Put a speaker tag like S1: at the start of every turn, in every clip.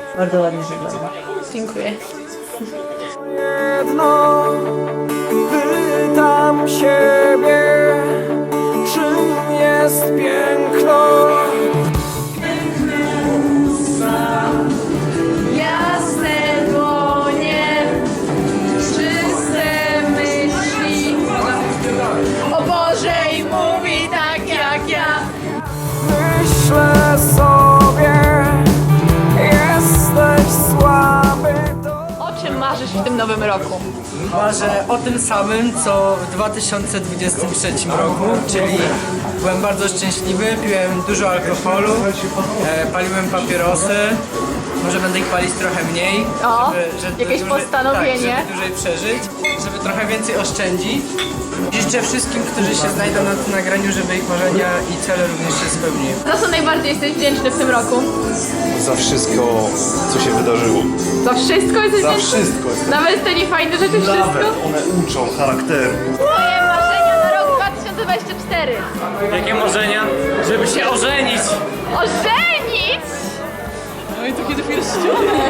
S1: Bardzo ładnie wygląda.
S2: Dziękuję.
S3: Jedno, pytam siebie, czym jest piękno.
S2: Jasne dłonie, czyste myśli. O Boże i mówi tak jak ja.
S3: Myślę sobie, jesteś słaby.
S2: O czym marzysz w tym nowym roku?
S4: Marzę o tym samym, co w 2023 roku, czyli byłem bardzo szczęśliwy, piłem dużo alkoholu, paliłem papierosy, może będę ich palić trochę mniej,
S2: O, jakieś postanowienie.
S4: Tak, żeby dłużej przeżyć, żeby trochę więcej oszczędzić. Życzę wszystkim, którzy się znajdą na tym nagraniu, żeby ich marzenia i cele również się spełniły.
S2: Za co najbardziej jesteś wdzięczny w tym roku?
S5: Za wszystko, co się wydarzyło.
S2: Za wszystko jesteś
S5: Za
S2: wdzięczny?
S5: wszystko jestem.
S2: Nawet te niefajne rzeczy, wszystko?
S5: Nawet one uczą charakteru.
S2: Moje marzenia na rok 2024.
S6: Jakie marzenia? Żeby się ożenić!
S2: Ożenić!
S7: No i to kiedy pierścionek.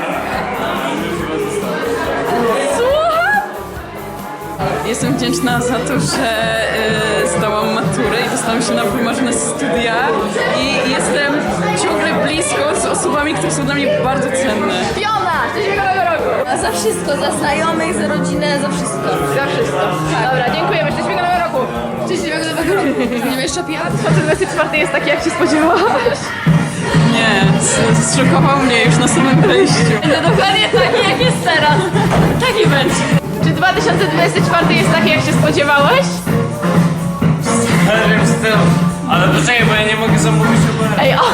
S2: Słucham?
S7: Jestem wdzięczna za to, że zdałam maturę i dostałam się na wymarzone studia i jestem ciągle blisko z osobami, które są dla mnie bardzo cenne.
S2: Fiona! Szczęśliwego nowego roku!
S8: Za wszystko, za znajomych, za rodzinę, za wszystko.
S2: Za wszystko. Dobra, dziękujemy. Szczęśliwego nowego roku!
S8: Szczęśliwego nowego roku. Nie wiem, jeszcze pijat?
S2: 2024 jest taki, jak się spodziewałaś.
S7: Nie, zszokował mnie już na samym wejściu.
S2: Będzie dokładnie taki, jak jest teraz. Taki będzie. Czy 2024 jest taki, jak się spodziewałeś?
S6: Ale wiem z tym. Ale poczekaj, bo ja nie mogę zamówić Ubera.
S2: Ej, o!